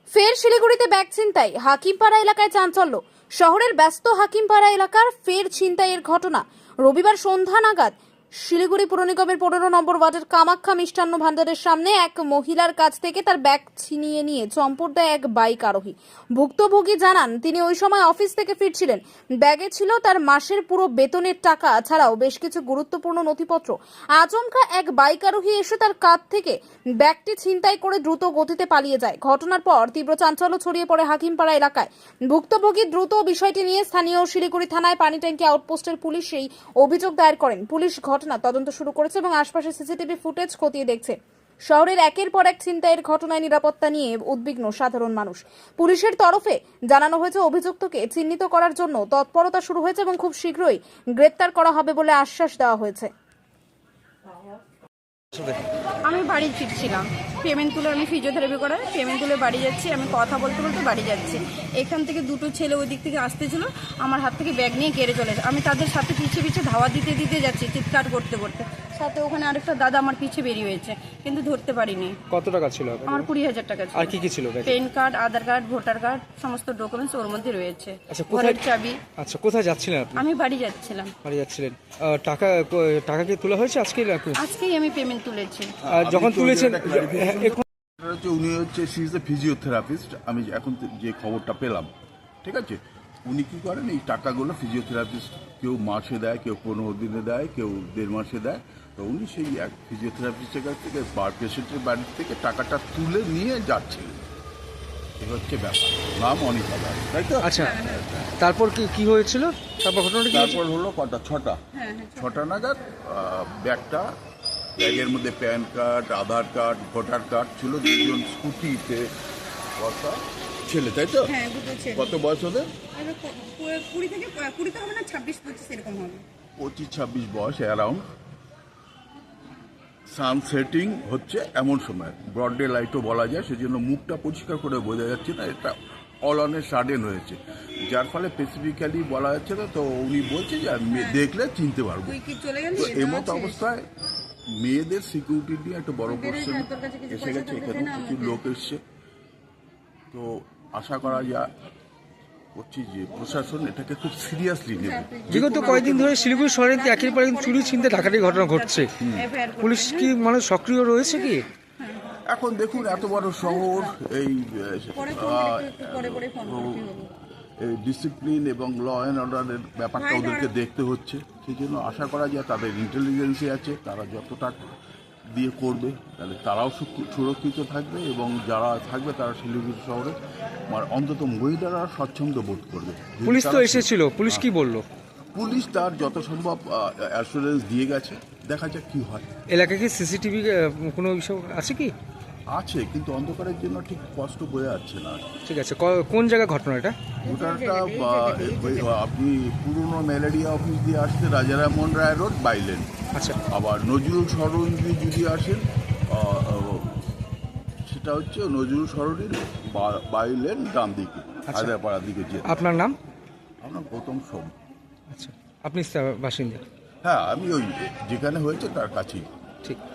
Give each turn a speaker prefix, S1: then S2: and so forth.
S1: ফের শিলিগুড়িতে ব্যাগ ছিনতাই, হাকিমপাড়া এলাকায় চাঞ্চল্য। শহরের ব্যস্ত হাকিমপাড়া এলাকার ফের ছিনতাইয়ের ঘটনা। রবিবার সন্ধ্যা নাগাদ শিলিগুড়ি পুর নিগমের 15 নম্বর ওয়ার্ডের কামাখ্যা মিষ্টান্ন ভান্ডারের সামনে এক মহিলার কাছ থেকে তার ব্যাগ ছিনিয়ে নিয়ে চম্পট দেয় এক বাইক আরোহী। ভুক্তভোগী জানান তিনি ওই সময় অফিস থেকে ফিরছিলেন। ব্যাগে ছিল তার মাসের পুরো বেতনের টাকা ছাড়াও বেশ কিছু গুরুত্বপূর্ণ নথিপত্র। আচমকা এক বাইক আরোহী এসে তার কাঁধ থেকে ব্যাগটি ছিনতাই করে দ্রুত গতিতে পালিয়ে যায়। ঘটনার পর তীব্র চাঞ্চল্য ছড়িয়ে পড়ে হাকিমপাড়া এলাকায়। ভুক্তভোগী দ্রুত বিষয়টি নিয়ে স্থানীয় শিলিগুড়ি থানায় পানি ট্যাঙ্কি আউটপোস্টের পুলিশ সেই অভিযোগ দায়ের করেন। পুলিশ ঘটনা তদন্ত শুরু করেছে এবং আশপাশের সিসিটিভি ফুটেজ খতিয়ে দেখছে। শহরের একের পর এক ছিনতাইয়ের ঘটনায় নিরাপত্তা নিয়ে উদ্বিগ্ন সাধারণ মানুষ। পুলিশের তরফে জানানো হয়েছে অভিযুক্তকে চিহ্নিত করার জন্য তৎপরতা শুরু হয়েছে এবং খুব শীঘ্রই গ্রেপ্তার করা হবে বলে আশ্বাস দেওয়া হয়েছে।
S2: আমি বাড়ি ফিরছিলাম, পেমেন্ট তুলে আমি ফিজিওথেরাপি করাই পেমেন্ট তুলে বাড়ি যাচ্ছি। আমি কথা বলতে বলতে বাড়ি যাচ্ছি। এখান থেকে দুটো ছেলে ওই দিক থেকে আসতেছিল, আমার হাত থেকে ব্যাগ নিয়ে কেড়ে চলে যায়। আমি তাদের সাথে পিছিয়ে পিছিয়ে ধাওয়া দিতে দিতে যাচ্ছি, চিৎকার করতে করতে। সাথে ওখানে আরেকটা দাদা আমার পিছিয়ে বেরিয়ে হয়েছে, কিন্তু ধরতে পারিনি।
S3: কত টাকা ছিল আপনার?
S2: আমার 20,000 টাকা ছিল।
S3: আর কি কি ছিল ব্যাগে?
S2: PAN card, Aadhaar card, voter card, সমস্ত ডকুমেন্টস ওর মধ্যে রয়েছে।
S3: আচ্ছা,
S2: ঘরের চাবি।
S3: আচ্ছা, কোথায় যাচ্ছিলেন আপনি?
S2: আমি বাড়ি যাচ্ছিলাম।
S3: বাড়ি যাচ্ছিলেন। টাকা কি তোলা হয়েছে আজকে?
S2: আজকেই আমি পেমেন্ট তুলেছি।
S3: যখন তুলেছেন
S4: উনি হচ্ছে সি ইজ এ ফিজিওথেরাপিস্ট। আমি এখন যে খবরটা পেলাম, ঠিক আছে, উনি কি করেন, এই টাকাগুলো ফিজিওথেরাপিস্ট কেউ মাসে দেয়, কেউ 15 দিনে দেয়, কেউ 1.5 মাসে দেয়। তো উনি সেই এক ফিজিওথেরাপিস্টের কাছ থেকে পেশেন্টের বাড়ি থেকে টাকাটা তুলে নিয়ে যাচ্ছিলেন। এই হচ্ছে ব্যাপার। নাম অনিতা দাস, তাই তো?
S3: আচ্ছা, তারপর কি হয়েছিল? তারপর ঘটনাটা কি হয়েছিল?
S4: তারপর হলো কটা, 6টা নাগাদ ব্যাগের মধ্যে PAN card, Aadhaar card, voter card ছিল। দুজন স্কুটিতে বসা ছেলে, তাই তো?
S2: হ্যাঁ, দুটো ছেলে।
S4: কত বয়স ওদের?
S2: 20 থেকে 20 হবে না, 26-25 এরকম হবে।
S4: 25-26 বয়স অ্যারাউন্ড। সানসেটিং হচ্ছে এমন সময়, ব্রড ডে লাইটও বলা যায়, সেজন্য মুখটা পরিষ্কার করে বোঝা যাচ্ছে না। এটা অল অন এ সাডেন হয়েছে, যার ফলে স্পেসিফিক্যালি বলা যাচ্ছে না। তো উনি বলছে যে দেখলে চিনতে পারবো। তো এমত অবস্থায় মেয়েদের সিকিউরিটি নিয়ে একটা বড় কোশ্চেন এসে গেছে। এখানে কিছু লোক এসছে। তো আশা করা যায় করছি যে প্রশাসন এটাকে খুব সিরিয়াসলি নেবে।
S3: বিগত কয়েকদিন ধরে শিলিগুড়ি শহরে একের পর এক চুরি ছিনতাই ডাকাতির ঘটনা ঘটছে। পুলিশ কি সক্রিয় রয়েছে কি?
S4: এখন দেখুন, এত বড় শহর, এই ডিসিপ্লিন এবং ল অ্যান্ড অর্ডারের ব্যাপারটা ওদেরকে দেখতে হচ্ছে। সেই জন্য আশা করা যায় তাদের ইন্টেলিজেন্সই আছে, তারা যতটা দিয়ে করবে তাহলে তারাও সুরক্ষিত থাকবে এবং যারা থাকবে তারা শিলিগুড়ি শহরে অন্তত মহিলারা স্বচ্ছন্দ বোধ করবে।
S3: পুলিশ তো এসেছিল, পুলিশ কি বললো?
S4: পুলিশ তার যত সম্ভব অ্যাসুরেন্স দিয়ে গেছে, দেখা যাক কি হয়।
S3: এলাকায় কি সিসিটিভি কোনো বিষয় আছে কি?
S4: আছে, কিন্তু অন্ধকারের জন্য ঠিক স্পষ্ট বোঝা যাচ্ছে না।
S3: ঠিক আছে, কোন জায়গায় ঘটনা এটা?
S4: ওটাটা আপনি পুরনো ম্যালেরিয়া অফিস দিয়ে আসতে রাজারামন রায় রোড বাইলেন।
S3: আচ্ছা,
S4: আবার নজরুল সরণি দিয়ে যদি আসেন, সেটা হচ্ছে নজরুল সরণির বাইলেন ডান দিকে, হায়দ্রাপাড়ার দিকে। যে
S3: আপনার নাম?
S4: আপনার গৌতম সোম।
S3: আচ্ছা, আপনি বাসিন্দা?
S4: হ্যাঁ, আমি ওই যেখানে হয়েছে তার কাছেই।
S3: ঠিক।